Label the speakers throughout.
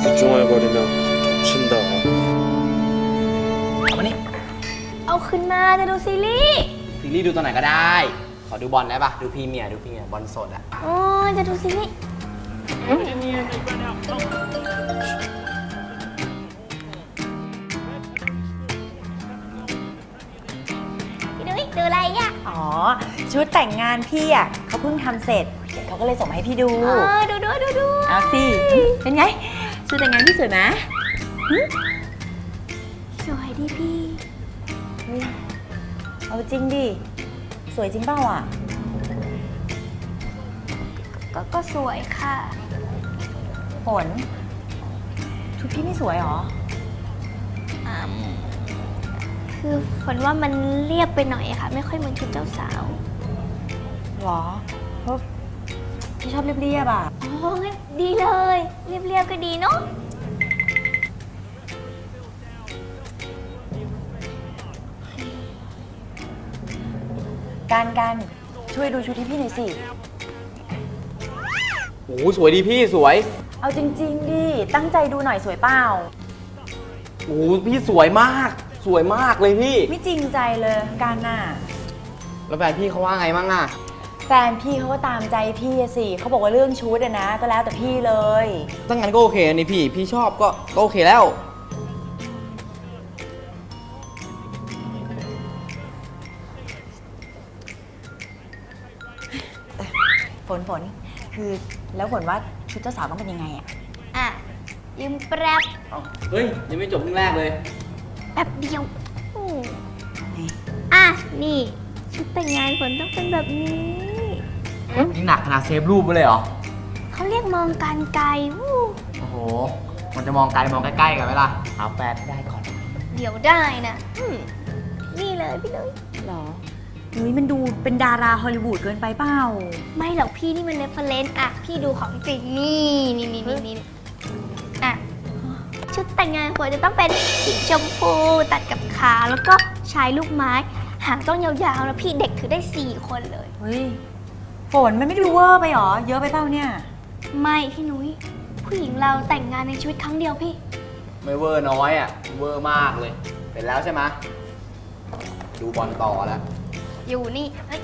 Speaker 1: 이중얼거리면 덮친다.
Speaker 2: เอามานี่
Speaker 3: เอาขึ้นมาจะดูซีรีส์
Speaker 2: ซีรีส์ดูตัวไหนก็ได้ ขอดูบอลได้ปะดูพรีเมียร์บอลสดอะ
Speaker 3: โอ้ยจะดูซีรีส์พี่นุ้ยดูอะไรอ่ะ
Speaker 4: อ๋อ ชุดแต่งงานพี่อ่ะเขาเพิ่งทำเสร็จเขาก็เลยส่งมาให้พี่ดู
Speaker 3: ดู
Speaker 4: เอาสิเป็นไง ชุดแต่งงานพี่สวยไหม
Speaker 3: สวยดีพี่
Speaker 4: เฮ้ยเอาจริงดิ สวยจริงเปล่าอ่ะ
Speaker 3: ก็สวยค่ะ
Speaker 4: ฝนชุดพี่ไม่สวยหรอ
Speaker 3: คือฝนว่ามันเรียบไปหน่อยอะค่ะ ไม่ค่อยเหมือนชุดเจ้าสาว
Speaker 4: หรอเพราะพี่ชอบเรียบๆอ่ะ
Speaker 3: โอ้งั้นดีเลย เรียบๆก็ดีเนาะ
Speaker 4: การช่วยดูชุดที่พี่หน่อยสิ
Speaker 2: โอ้โหสวยดีพี่สวย
Speaker 4: เอาจริงๆดิ ตั้งใจดูหน่อยสวยเปล่า
Speaker 2: โอ้โหพี่สวยมาก สวยมากเลยพี่
Speaker 4: ไม่จริงใจเลยการน่ะ
Speaker 2: แล้วแฟนพี่เขาว่าไงมั่งอะ
Speaker 4: แฟนพี่เขาก็ตามใจพี่อะสิเขาบอกว่าเรื่องชุดอะนะ ก็แล้วแต่พี่เลย
Speaker 2: ตั้งงั้นก็โอเคนี่พี่ชอบก็โอเคแล้ว
Speaker 4: ฝนคือแล้วฝนว่าชุดเจ้าสาวต้องเป็นยังไงอะ
Speaker 3: อ่ะยืมแป๊บ
Speaker 2: เฮ้ยยังไม่จบเรื่องแรกเลย
Speaker 3: แป๊บเดียวอ่ะ นี่ ชุดแต่งงานฝนต้องเป็นแบบนี้
Speaker 2: นี่หนักขนาดเซฟรูปไปเลยเหรอ
Speaker 3: เขาเรียกมองการไกลวู้
Speaker 2: โอ้โห มันจะมองไกลมองใกล้ๆกันไหมล่ะหาแฟนให้ได้ก่อน
Speaker 3: เดี๋ยวได้นะนี่เลยพี่นุ้ย
Speaker 4: หรอนุ้ยมันดูเป็นดาราฮอลลีวูดเกินไปเปล่า
Speaker 3: ไม่หรอกพี่นี่มันเรฟเฟรนซ์อ่ะ พี่ดูของจริงนี่อ่ะ ชุดแต่งงานควรจะต้องเป็นสีชมพูตัดกับขาแล้วก็ชายลูกไม้ หางต้องยาวๆแล้วพี่เด็กถือได้ 4 คนเลย
Speaker 4: เฮ้ยฝนมันไม่ดูเวอร์ไปหรอ เยอะไปเปล่าเนี่ย
Speaker 3: ไม่พี่นุ้ยผู้หญิงเราแต่งงานในชีวิตครั้งเดียวพี่
Speaker 2: ไม่เวอร์น้อยอ่ะ เวอร์มากเลย เป็นแล้วใช่ไหมดูบอลต่อแล้ว
Speaker 3: อยู่นี่เฮ้ย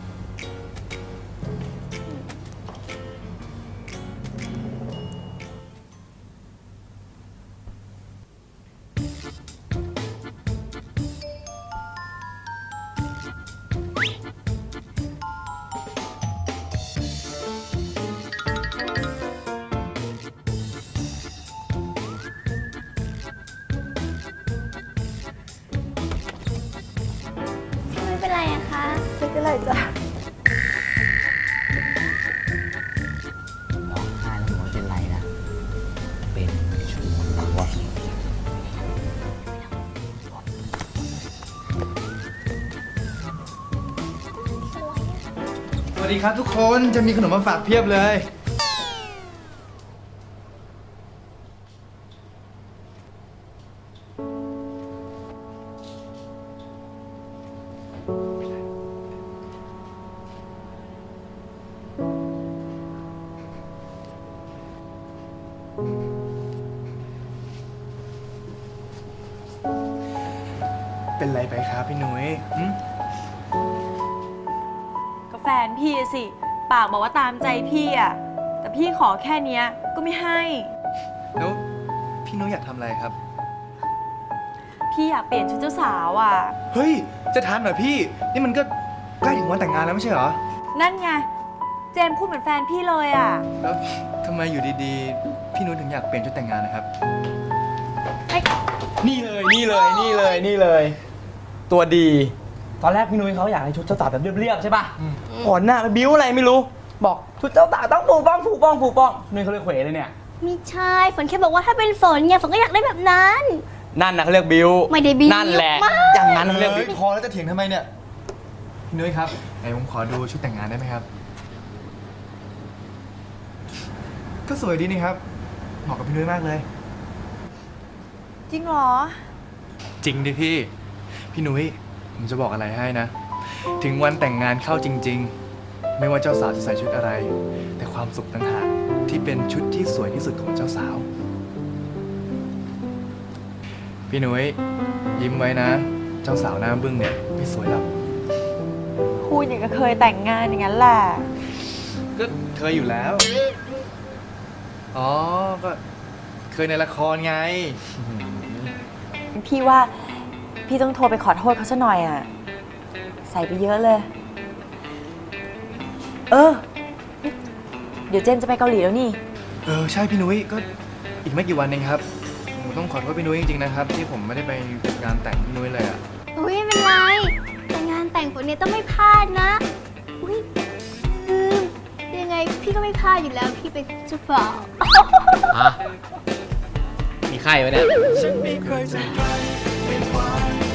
Speaker 3: ไม่เป็นไรอะคะ
Speaker 4: ไม่เป็นไรจ้ะ
Speaker 2: ร้องไห้แล้วหนูไม่เป็นไรนะ เป็นชู้วะ
Speaker 5: สวัสดีครับทุกคนจะมีขนมมาฝากเพียบเลย เป็นไรไปครับพี่นุ้ยหึ
Speaker 4: ก็แฟนพี่อะสิ ปากบอกว่าตามใจพี่อะแต่พี่ขอแค่เนี้ยก็ไม่ให้
Speaker 5: แล้วพี่นุ้ยอยากทำอะไรครับ
Speaker 4: พี่อยากเปลี่ยนชุดเจ้าสาวอะ
Speaker 5: เฮ้ย จะทันเหรอพี่ นี่มันก็ใกล้ถึงวันแต่งงานแล้วไม่ใช่เหรอ
Speaker 4: นั่นไง เจมส์พูดเหมือนแฟนพี่เลยอะ
Speaker 5: แล้วทำไมอยู่ดีๆ พี่นุ้ยถึงอยากเปลี่ยนชุดแต่งงานนะครับ
Speaker 2: นี่เลย ตัวดี ตอนแรกพี่นุ้ยเขาอยากให้ชุดเจ้าสาวแบบเรียบๆใช่ป่ะก่อนหน้าไปบิ้วอะไรไม่รู้ บอกชุดเจ้าสาวต้องฟูป้องนุ้ยเขาเลยเขวเลยเนี่ย
Speaker 3: ไม่ใช่ฝนแค่บอกว่าถ้าเป็นฝนเนี่ยฝนก็อยากได้แบบนั้น
Speaker 2: นั่นนะเขาเรียกบิ้ว
Speaker 3: ไม่ได้บิ้ว
Speaker 2: นั่นแหละ
Speaker 3: มาก
Speaker 2: อย่างนั้นเขาเรียกบิ้ว
Speaker 5: พอแล้วจะเถียงทำไมเนี่ย พี่นุ้ยครับไหนผมขอดูชุดแต่งงานได้ไหมครับ ก็สวยดีนี่ครับ เหมาะกับพี่นุ้ยมากเลย
Speaker 4: จริงเหรอ
Speaker 5: จริงดิพี่ พี่นุ้ยผมจะบอกอะไรให้นะ ถึงวันแต่งงานเข้าจริง ๆ ไม่ว่าเจ้าสาวจะใส่ชุดอะไร แต่ความสุขต่างหากที่เป็นชุดที่สวยที่สุดของเจ้าสาวพี่นุ้ยยิ้มไว้นะ เจ้าสาวหน้าบึ้งเนี่ยไม่สวยหรอก
Speaker 4: พูดอย่างก็เคยแต่งงานอย่างนั้นแหละ
Speaker 5: ก็เคยอยู่แล้ว อ๋อ ก็เคยในละครไง
Speaker 4: พี่ว่าพี่ต้องโทรไปขอโทษเขาซะหน่อยอ่ะ ใส่ไปเยอะเลย เดี๋ยวเจนจะไปเกาหลีแล้วนี่
Speaker 5: ใช่พี่นุ้ยก็อีกไม่กี่วันเองครับผมต้องขอโทษพี่นุ้ยจริงๆนะครับ ที่ผมไม่ได้ไปงานแต่งพี่นุ้ยเลยอะ
Speaker 3: อุ้ยไม่เป็นไร แต่งานแต่งคนนี้ต้องไม่พลาดนะ อุ้ยยังไงพี่ก็ไม่พลาดอยู่แล้ว พี่เป็นเจ้าบ่าว
Speaker 2: มีไข้ไหมเนี่ย
Speaker 5: ฉันไม่เคยจะใครเป็นความ